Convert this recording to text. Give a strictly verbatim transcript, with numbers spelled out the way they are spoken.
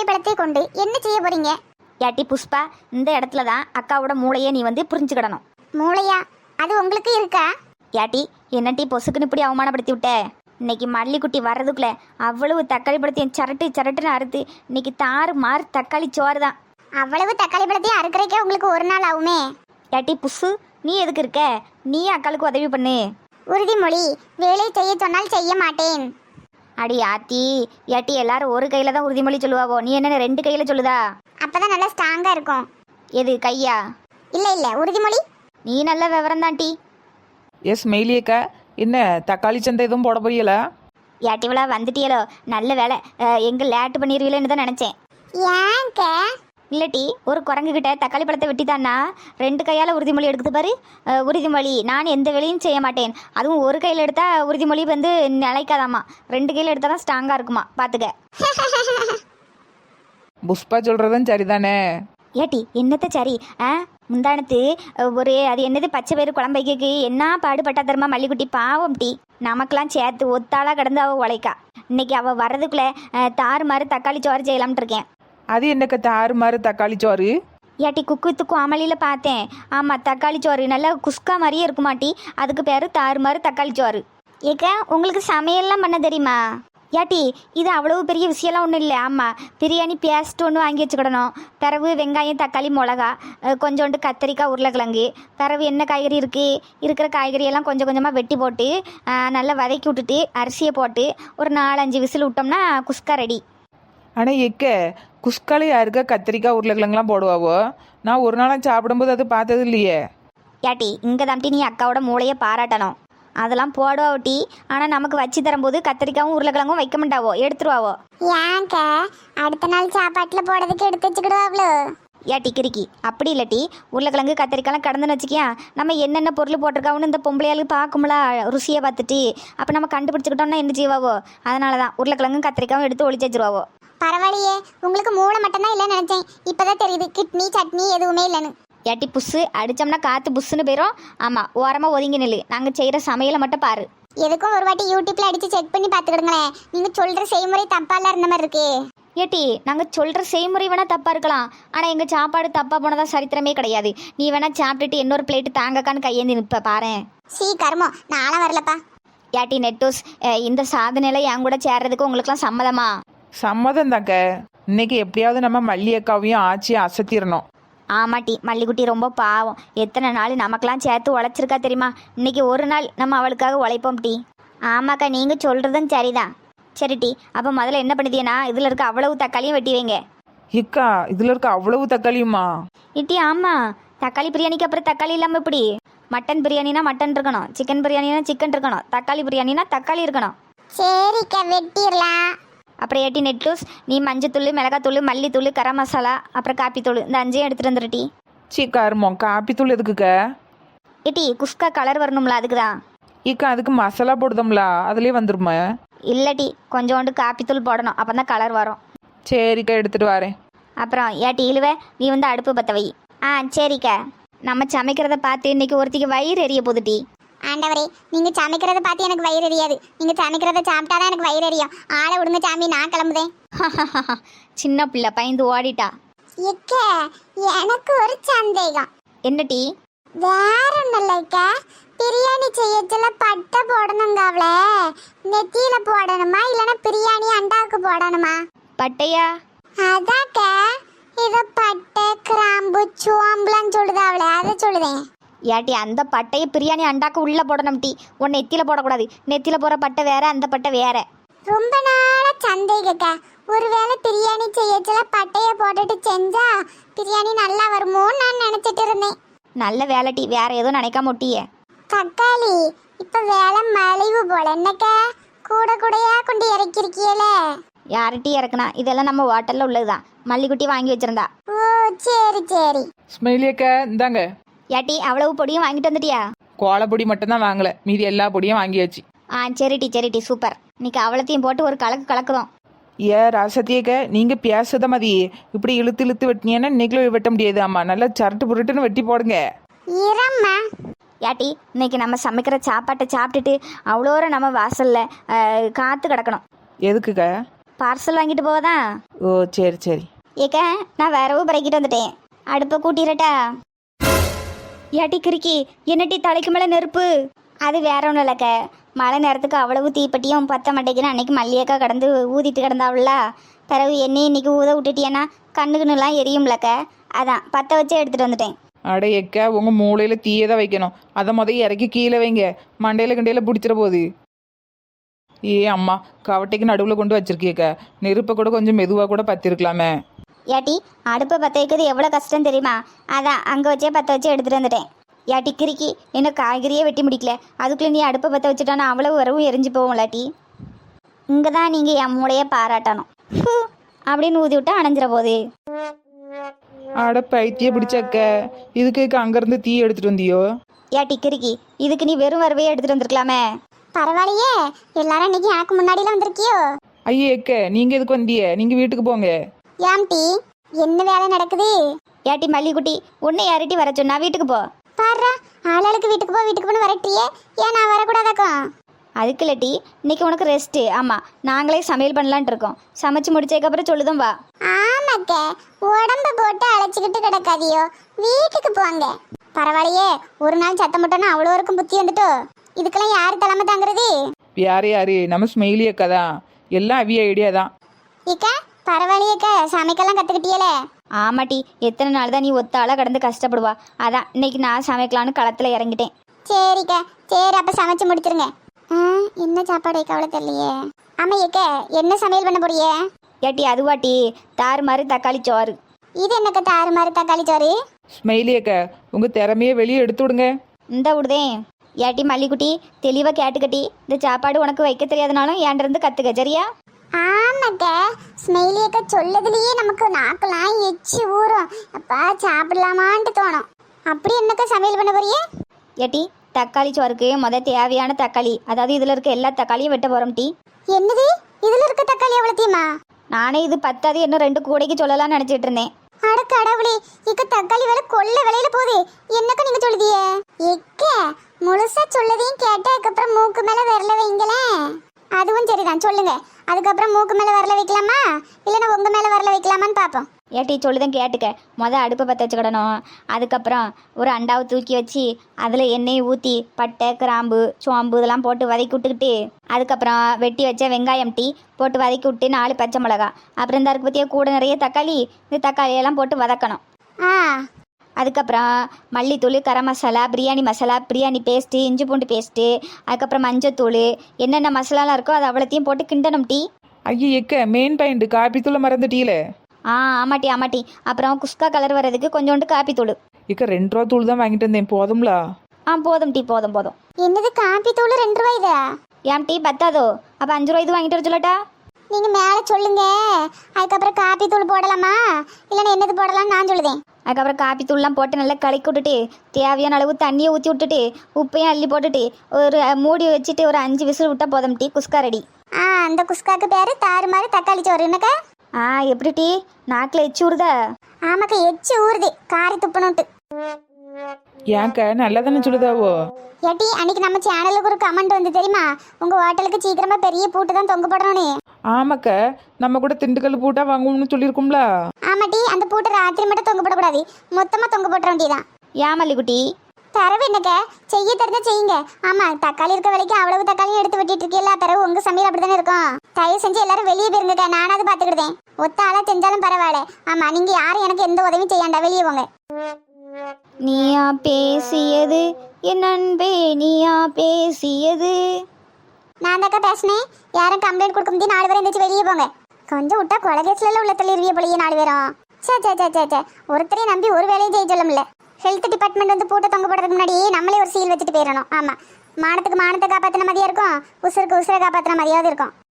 தக்காளி பழத்தை கொண்டு என்ன செய்ய போறீங்க? ஏட்டி புஷ்பா, இந்த இடத்துல தான் அக்காவோட மூளையை நீ வந்து புரிஞ்சுக்கிடணும். மூளையா? அது உங்களுக்கு இருக்கா? ஏட்டி என்னட்டி பொசுக்குன்னு இப்படி அவமானப்படுத்தி விட்ட? இன்னைக்கு மல்லிக்குட்டி வர்றதுக்குள்ள அவ்வளவு தக்காளி பழத்தையும் சரட்டு சரட்டுன்னு அறுத்து இன்னைக்கு தாறு மாறு தக்காளி சோறு தான். அவ்வளவு தக்காளி பழத்தையும் அறுக்கறக்கே உங்களுக்கு ஒரு நாள் ஆகுமே. ஏட்டி புசு, நீ எதுக்கு இருக்க? நீ அக்காளுக்கு உதவி பண்ணு. உறுதிமொழி, வேலை செய்ய சொன்னால் செய்ய மாட்டேன். அடி ஆத்தி, ஏட்டி எல்லாரும் ஒரு கையில தான் உறுதிமொழி சொல்லுவாவோ, நீ என்ன ரெண்டு கையில சொல்லுதா? அப்பதான் நல்லா ஸ்ட்ராங்கா இருக்கும். எது கையா? இல்ல இல்ல உறுதிமொழி. நீ நல்ல விவரம் தான்டி. எஸ் மெயிலியக்கா, என்ன தக்காளி சந்தை எதுவும் போட போறீங்களா? ஏட்டிவளா வந்துட்டியலோ, நல்ல வேலை. எங்க லேட்டு பண்ணிடுவீங்களேன்னு தான் நினைச்சேன். ஏங்க? இல்லட்டி ஒரு குரங்கு கிட்ட தக்காளி பழத்தை வெட்டித்தான்னா ரெண்டு கையால் உறுதிமொழி எடுக்குது பாரு. அஹ், உறுதிமொழி, நான் எந்த வேலையும் செய்ய மாட்டேன். அதுவும் ஒரு கையில் எடுத்தா உறுதிமொழி வந்து நிலைக்காதாமா, ரெண்டு கையில் எடுத்தால் தான் ஸ்ட்ராங்காக இருக்குமா, பார்த்துக்க. புஷ்பா சொல்றதும் சரிதானே? ஏட்டி என்னத்த சரி? ஆ முந்தானத்து ஒரு அது என்னது பச்சை பயிறு குழம்பைக்கு என்ன பாடுபட்டா தருமா மல்லிக்குட்டி, பாவம் டீ. நமக்கெல்லாம் சேர்த்து ஒத்தாளாக கிடந்து அவள் உழைக்கா. இன்னைக்கு அவள் வர்றதுக்குள்ளே தாறு மாறு தக்காளி சோறு செய்யலாம்னு இருக்கேன். அது என்னக்க தாறு மாறு தக்காளி சோறு? ஏட்டி குக்குத்துக்கும் அமளியில் பார்த்தேன். ஆமாம், தக்காளி சோறு நல்லா குஸ்கா மாதிரியே இருக்குமாட்டி, அதுக்கு பேர் தாறு மாறு தக்காளி சோறு. ஏக்க உங்களுக்கு சமையல்லாம் பண்ண தெரியுமா? ஏட்டி இது அவ்வளவு பெரிய விஷயம்லாம் ஒன்றும் இல்லை. ஆமாம், பிரியாணி பேஸ்ட் ஒன்று வாங்கி வச்சுக்கிடணும். பிறகு வெங்காயம் தக்காளி மிளகா, கொஞ்சோண்டு கத்திரிக்காய் உருளைக்கிழங்கு, பிறகு என்ன காய்கறி இருக்குது, இருக்கிற காய்கறியெல்லாம் கொஞ்சம் கொஞ்சமாக வெட்டி போட்டு நல்லா வதக்கி விட்டுட்டு அரிசியை போட்டு ஒரு நாலஞ்சு விசில் விட்டோம்னா குஸ்கா ரெடி. ஆனால் எக்க குஸ்கால யாருக்கா கத்திரிக்காய் உருளைக்கிழங்குலாம் போடுவாவோ? நான் ஒரு நாளாக சாப்பிடும்போது அது பார்த்தது இல்லையே. ஏட்டி இங்கே தாண்டி நீ அக்காவோட மூளையை பாராட்டணும். அதெல்லாம் போடுவாவட்டி, ஆனால் நமக்கு வச்சு தரும்போது கத்திரிக்காவும் உருளைக்கிழங்கும் வைக்க மாட்டாவோ, எடுத்துருவாவோ. ஏங்க அடுத்த நாள் சாப்பாட்டுல போடுறதுக்கு எடுத்து வச்சுக்கிடுவாங்களோ? ஏட்டி கிறுக்கி, அப்படி இல்லாட்டி உருளைக்கிழங்கு கத்திரிக்காய்லாம் கடந்துன்னு வச்சுக்கியா, நம்ம என்னென்ன பொருள் போட்டிருக்காவுன்னு இந்த பொம்பளையாளுக்கு பார்க்கும்ல ருசியை பார்த்துட்டு, அப்போ நம்ம கண்டுபிடிச்சிக்கிட்டோம்னா என்ன செய்வாவோ. அதனால தான் உருளைக்கிழங்கும் கத்திரிக்காவும் எடுத்து ஒளிச்சு வச்சிருவாவோ. பரவாயில்லையே, உங்களுக்கு மூளை மட்டும்தான் இல்லைன்னு நினைச்சேன். இப்பதான் தெரியுது கிட்னி சட்னி எதுவுமே இல்லைன்னு. ஏட்டி புஸ்ஸு அடித்தோம்னா காற்று புஸ்ஸுன்னு போயிடும். ஆமாம், ஓரமாக ஒதுங்கி நில்லு, நாங்கள் செய்கிற சமையலை மட்டும் பாரு. எதுக்கும் ஒரு வாட்டி யூடியூப்ல அடிச்சு செக் பண்ணி பார்த்துக்கிடுங்களேன். நீங்க சொல்ற செய்முறை தப்பாலாம் இருந்த மாதிரி இருக்கு. ஏட்டி நாங்கள் சொல்கிற செய்முறை வேணால் தப்பாக இருக்கலாம், ஆனால் எங்கள் சாப்பாடு தப்பாக போனதா சரித்திரமே கிடையாது. நீ வேணால் சாப்பிட்டுட்டு இன்னொரு பிளேட்டு தாங்கக்கான்னு கையேந்தி நிற்ப பாரு. சீ கர்மோ, நானும் வரலப்பா. ஏட்டி நெட்டூஸ், இந்த சாதனையில் என் கூட சேர்றதுக்கு உங்களுக்குலாம் சம்மதமா? சம்மதம் தாக்க. இன்னைக்கு எப்படியாவது நம்ம மல்லி அக்காவையும் ஆச்சி அசத்திடணும். ஆமாட்டி, மல்லிக்குட்டி ரொம்ப பாவம். எத்தனை நாள் நமக்கெல்லாம் சேர்த்து உழைச்சிருக்கா தெரியுமா? இன்னைக்கு ஒரு நாள் நம்ம அவளுக்காக உழைப்போம் டி. ஆமாக்கா, நீங்கள் சொல்கிறதும் சரிதான். சரி டி, அப்போ முதல்ல என்ன பண்ணுதியனா, இதில் இருக்க அவ்வளவு தக்காளியும் வெட்டி வைங்க. இக்கா இதில் இருக்க அவ்வளவு தக்காளியுமா? இட்டி ஆமாம், தக்காளி பிரியாணிக்கு அப்புறம் தக்காளி இல்லாமல் எப்படி? மட்டன் பிரியாணினா மட்டன் இருக்கணும், சிக்கன் பிரியாணினா சிக்கன் இருக்கணும், தக்காளி பிரியாணினா தக்காளி இருக்கணும். சரிக்கா வெட்டிடலாம். அப்புறம் ஏட்டி நெட்டூஸ், நீ மஞ்சத்தூள், மிளகாத்தூள், மல்லித்தூள், கரம் மசாலா, அப்புறம் காப்பித்தூள், இந்த அஞ்சையும் எடுத்துகிட்டு வந்துரு டி. சீ கருமம், காப்பித்தூள் எதுக்குக்க? ஏட்டி குஸ்கா கலர் வரணும்ல, அதுக்கு தான். இக்கா அதுக்கு மசாலா போடுதோம்ல, அதுலேயே வந்துருமா? இல்லட்டி கொஞ்சோண்டு காப்பித்தூள் போடணும், அப்போ தான் கலர் வரும். சரிக்கா எடுத்துட்டு வரேன். அப்புறம் ஏட்டி இழுவே, நீ வந்து அடுப்பு பற்ற வை. ஆ சரிக்கா. நம்ம சமைக்கிறத பார்த்து இன்னைக்கு ஒருத்திக்கு வயிறு எரிய போகுது டி. ஆண்டவரே, நீங்க சமைக்கிறத பார்த்து எனக்கு வயிறு எரியாது. நீங்க சமைக்கிறத சாப்பிட்டாதான் எனக்கு வயிறு எரியும். ஆளை விடுங்க சாமி, நான் கிளம்புதேன். சின்ன பிள்ளை பயந்து ஓடிட்டா. எக்க எனக்கு ஒரு சந்தேகம். என்ன டி? வேற ஒன்றும் இல்லைக்கா, பிரியாணி செய்யச்சுல பட்டை போடணுங்க. அவளை நெத்தியில போடணுமா இல்லைன்னா பிரியாணி அண்டாவுக்கு போடணுமா? பட்டையா? அதாக்க இதை பட்டை கிராம்பு சோம்புலாம் சொல்லுது அவளை, அதை சொல்லுதேன். ஏட்டி அந்த பட்டையை பிரியாணி அண்டாக்கு உள்ளே போடணும் டி. உன் நெத்தியில் போடக்கூடாது. நெத்தியில் போகிற பட்டை வேற, அந்த பட்டை வேற. ரொம்ப நாளா சந்தேகக்க, ஒருவேளை பிரியாணி செய்யச்சுல பட்டையை போட்டுட்டு செஞ்சா பிரியாணி நல்லா வருமோன்னு நான் நினைச்சிட்டு இருந்தேன். நல்ல வேலை டி, வேற எதுவும் நினைக்காம ஒட்டியே. தக்காளி இப்ப வேலை மலிவு போல என்னக்க, கூட கூடையா கொண்டு இறக்கிருக்கியலே. யாரு டீ இறக்குனா? இதெல்லாம் நம்ம ஹோட்டலில் உள்ளதுதான், மல்லிக்குட்டி வாங்கி வச்சிருந்தா. ஓ சரி சரி. ஸ்மெயிலியக்கா இந்தாங்க. ஏட்டி அவ்வளவு பொடியும் வாங்கிட்டு வந்துட்டியா? கோலப்பொடி மட்டும்தான் வாங்கல, மீதி எல்லா பொடியும் வாங்கியாச்சு. ஆ சரி டி சரி டி, சூப்பர். இன்னைக்கு அவ்வளோத்தையும் போட்டு ஒரு கலக்கு கலக்குதோம். ஏ ராசத்தியக்க, நீங்க பேசுத மதி இப்படி இழுத்து இழுத்து வெட்டினீங்கன்னா இன்னைக்குள்ள வெட்ட முடியாது. ஆமா, நல்லா சரட்டு புரட்டுன்னு வெட்டி போடுங்க. இரம்மா ஏட்டி இன்னைக்கு நம்ம சமைக்கிற சாப்பாட்டை சாப்பிட்டுட்டு அவ்வளோ நம்ம வாசல்ல காத்து கிடக்கணும். எதுக்குக்க? பார்சல் வாங்கிட்டு போவதான். ஓ சரி சரி. ஏக்க நான் வேறவும் பறக்கிட்டு வந்துட்டேன். அடுப்பை கூட்டிடட்டா? ஏட்டி கிறுக்கி, என்னட்டி தலைக்கு மேலே நெருப்பு? அது வேற ஒன்றும் இல்லைக்க, மழை நேரத்துக்கு அவ்வளவு தீப்பெட்டியும் பத்த மாட்டேங்குன்னு அன்னைக்கு மல்லியக்கா கடந்து ஊதிட்டு கிடந்தாவில்ல. பிறகு என்னையும் இன்னைக்கு ஊத விட்டுட்டியன்னா கண்ணுக்குன்னுலாம் எரியும்லக்க, அதான் பற்ற வச்சே எடுத்துகிட்டு வந்துட்டேன். அட எக்கா, உங்கள் மூளையில் தீயை தான் வைக்கணும். அதை முதல் இறக்கி கீழே வைங்க, மண்டையில் கண்டையில் பிடிச்சிட போகுது. ஏ அம்மா, கவட்டைக்கு நடுவில் கொண்டு வச்சிருக்கியக்கா, நெருப்பை கூட கொஞ்சம் மெதுவாக கூட பற்றிருக்கலாமே. ஏட்டி அடுப்பை பற்ற வைக்கிறது எவ்வளோ கஷ்டம் தெரியுமா? அதான் அங்கே வச்சே பற்ற வச்சு எடுத்துகிட்டு வந்துட்டேன். ஏட்டி கிறுக்கி, என்ன காய்கறியே வெட்டி முடிக்கல, அதுக்குள்ளே நீ அடுப்பை பற்ற வச்சுட்டானா அவ்வளவு வரவும் எரிஞ்சு போவோம் இல்லாட்டி. இங்கே தான் நீங்கள் என் மூளையை பாராட்டணும். ஹூ அப்படின்னு ஊதி விட்டா அணைஞ்சிட போகுது. அட பைத்திய பிடிச்சக்க, இதுக்கு அங்கேருந்து தீ எடுத்துகிட்டு வந்தியோ? ஏட்டி கிறுக்கி, இதுக்கு நீ வெறும் வரவையே எடுத்துகிட்டு வந்திருக்கலாமே. பரவாயில்லையே, எல்லாரும் இன்னைக்கு எனக்கு முன்னாடிலாம் வந்திருக்கியோ? ஐயே எக்க, நீங்கள் எதுக்கு வந்திய? நீங்கள் வீட்டுக்கு போங்க. ஏம்டி, என்ன வேலை நடக்குது? ஏட்டி மல்லிக்குட்டி, உன்னை யார்ட்டி வர சொன்னா? வீட்டுக்கு போ. பாடுறா, ஆளாளுக்கு வீட்டுக்கு போ வீட்டுக்கு போன்னு வரட்டியே, ஏன் நான் வரக்கூடாதாக்கும்? அதுக்கு இல்லட்டி, இன்னைக்கு உனக்கு ரெஸ்ட்டு. ஆமாம், நாங்களே சமையல் பண்ணலான்ட்டு இருக்கோம். சமைச்சு முடிச்சதுக்கப்புறம் சொல்லுதும் வா. ஆமாக்க, உடம்ப போட்டு அழைச்சிக்கிட்டு கிடக்காதியோ, வீட்டுக்கு போங்க. பரவாயில்லையே, ஒரு நாள் சத்தம் போட்டோன்னா அவ்வளோ இருக்கும் புத்தி வந்துட்டோ. இதுக்கெல்லாம் யார் தலைமை தாங்கிறது? யாரு யாரு? நம்ம ஸ்மெயிலி அக்கா தான், எல்லாம் அவிய ஐடியா தான். இக்கா பரவாயில்லையேக்க, சமைக்கலாம் கற்றுக்கிட்டியலே. ஆமாட்டி, எத்தனை நாள் தான் நீ ஒத்தாளாக கடந்து கஷ்டப்படுவா. அதான் இன்னைக்கு நான் சமைக்கலான்னு களத்தில் இறங்கிட்டேன். சரிக்கா, சரி அப்போ சமைச்சு முடிச்சிருங்க. ஆ, என்ன சாப்பாடு கவலை தெரியலையே. ஆமாம் ஏக்க, என்ன சமையல் பண்ண போறியே? ஏட்டி அதுவாட்டி தாறு மாதிரி தக்காளி சோறு. இது என்னக்க தாறு மாதிரி தக்காளி சோறு? ஸ்மெயிலி அக்கா, உங்கள் திறமையை வெளியே எடுத்து விடுங்க. இந்த விடுதேன். ஏட்டி மல்லிக்குட்டி, தெளிவாக கேட்டுக்கட்டி, இந்த சாப்பாடு உனக்கு வைக்க தெரியாதனாலும் ஏன்ட இருந்து கற்றுக்க, சரியா? ஆமாக்க, ஸ்மெயிலியக்க சொல்லதுலேயே நமக்கு நாக்கெல்லாம் எச்சி ஊறும். அப்பா சாப்பிடலாமான்ட்டு தோணும். அப்படி என்னக்கா சமையல் பண்ண போறியே? ஏட்டி தக்காளி சோறுக்கு முத தேவையான தக்காளி, அதாவது இதில் இருக்க எல்லா தக்காளியும் வெட்ட போகிறோம் டீ. என்னது, இதில் இருக்க தக்காளி எவ்வளோத்தையுமா? நானே இது பத்தாது இன்னும் ரெண்டு கூடைக்கு சொல்லலாம்னு நினச்சிட்டு இருந்தேன். அட கடவுளே, இக்க தக்காளி விலை கொள்ள விலையில போகுது. என்னக்கா நீங்க சொல்லுதியே? எக்க முழுசா சொல்லதையும் கேட்டா அதுக்கப்புறம் மூக்கு மேல விரல வைங்களேன். அதுவும் சரிதான், சொல்லுங்க. அதுக்கப்புறம் மூக்கு மேல விரல வைக்கலாமா இல்லைன்னா உங்க மேல விரல வைக்கலாமான்னு பார்ப்போம். ஏட்டி சொல்லுதான் கேட்டுக்க. மொதல் அடுப்பை பற்ற வச்சுக்கிடணும். அதுக்கப்புறம் ஒரு அண்டாவை தூக்கி வச்சு அதில் எண்ணெய் ஊற்றி பட்டை கிராம்பு சோம்பு இதெல்லாம் போட்டு வதக்கி விட்டுக்கிட்டு, அதுக்கப்புறம் வெட்டி வச்ச வெங்காயம் டீ போட்டு வதக்கி விட்டு நாலு பச்சை மிளகா, அப்புறம் இந்த அதுக்கு பற்றிய கூட நிறைய தக்காளி, இந்த தக்காளியெல்லாம் போட்டு வதக்கணும். ஆ, அதுக்கப்புறம் மல்லித்தூள் கரம் மசாலா பிரியாணி மசாலா பிரியாணி பேஸ்ட்டு இஞ்சி பூண்டு பேஸ்ட்டு அதுக்கப்புறம் மஞ்சத்தூள் என்னென்ன மசாலாலாம் இருக்கோ அது அவ்வளோத்தையும் போட்டு கிண்டணும் டீ. ஐயே எக்க, மெயின் பாயிண்ட் காப்பி தூளை மறந்துட்டீல. ஆ ஆமாட்டி ஆமாட்டி. அப்புறம் குஸ்கா கலர் வர்றதுக்கு கொஞ்சோண்டு காப்பி தூள். இக்க ரெண்டு ரூபா தூள் தான் வாங்கிட்டு வந்தேன், போதும்லா? ஆ போதும் டீ, போதும் போதும். என்னது காப்பி தூள் ரெண்டு ரூபாய்தா? ஏன் டீ பத்தாதோ? அப்போ அஞ்சு ரூபா இது வாங்கிட்டு வர சொல்லட்டா? நீங்க மேல சொல்லுங்க. அதுக்கப்புறம் காப்பி தூள் போடலாமா இல்லைன்னா என்னது போடலாம்னு நான் சொல்லுதேன். அதுக்கப்புறம் காப்பி தூள்லாம் போட்டு நல்லா கலக்கி விட்டுட்டு தேவையான அளவு தண்ணியை ஊற்றி விட்டுட்டு உப்பையும் அள்ளி போட்டுட்டு ஒரு மூடி வச்சுட்டு ஒரு அஞ்சு விசில் விட்டா போதும் டீ, குஸ்கா ரெடி. ஆ, அந்த குஸ்காக்கு பேரு தாறு மாதிரி தக்காளி சோறு என்னக்கா? ஆ எப்படி டீ, நாக்கில் எச்சு ஊறுதா? ஆமாக்கா, எச்சு ஊறுது காரி துப்பணுட்டு. ஏன்க்கா, நல்லா தானே சொல்லுதாவோ? ஏட்டி, அன்னைக்கு நம்ம சேனலுக்கு ஒரு கமெண்ட் வந்து தெரியுமா? உங்க ஹோட்டலுக்கு சீக்கிரமா பெரிய பூட்டு தான் தொங்க போடணும்னு. ஆமாக்கா, நம்ம கூட திண்டுக்கல் பூட்டா வாங்குவோம்னு சொல்லியிருக்கோம்ல. ஆமாட்டி, அந்த பூட்டை ராத்திரி மட்டும் தொங்க போடக்கூடாது, மொத்தமா தொங்க போட்டுற வேண்டியதான். ஏன் மல்லிக்குட்டி? தரவு என்னக்க, செய்ய தெரிஞ்சா செய்யுங்க. ஆமா, தக்காளி இருக்க வேலைக்கு அவ்வளவு தக்காளியும் எடுத்து வெட்டிட்டு இருக்கீல்ல, பிறகு உங்க சமையல் அப்படித்தானே இருக்கும். தயவு செஞ்சு எல்லாரும் வெளியே போயிருங்கக்கா, நானாவது பாத்துக்கிட்டேன். ஒத்த ஆளா செஞ்சாலும் பரவாயில்ல. ஆமா, நீங்க யாரும் எனக்கு எந்த உதவியும் செய்யாண்டா, வெளியே போங்க. நீயா பேசியது என் அன்பே, நீயா பேசியது. நான் தாக்கா பேசினேன். யாரும் கம்ப்ளைண்ட் கொடுக்க முடியும், நாலு பேரும் எந்திரிச்சு வெளியே போங்க. கொஞ்சம் விட்டா கொலகேஸ்ல உள்ள தள்ளிடுவிய போலியே நாலு பேரும். சே சே சே சே சே ஒருத்தரையும் நம்பி ஒரு வேலையும் செய்ய சொல்லும்ல. ஹெல்த் டிபார்ட்மெண்ட் வந்து பூட்டை தொங்க போடுறதுக்கு முன்னாடி நம்மளே ஒரு சீல் வச்சுட்டு போயிடணும். ஆமா, மானத்துக்கு மானத்தை காப்பாற்றின மாதிரியா இருக்கும், உசுருக்கு உசுரை காப்பாற்றின மாதிரியாவது இருக்கும்.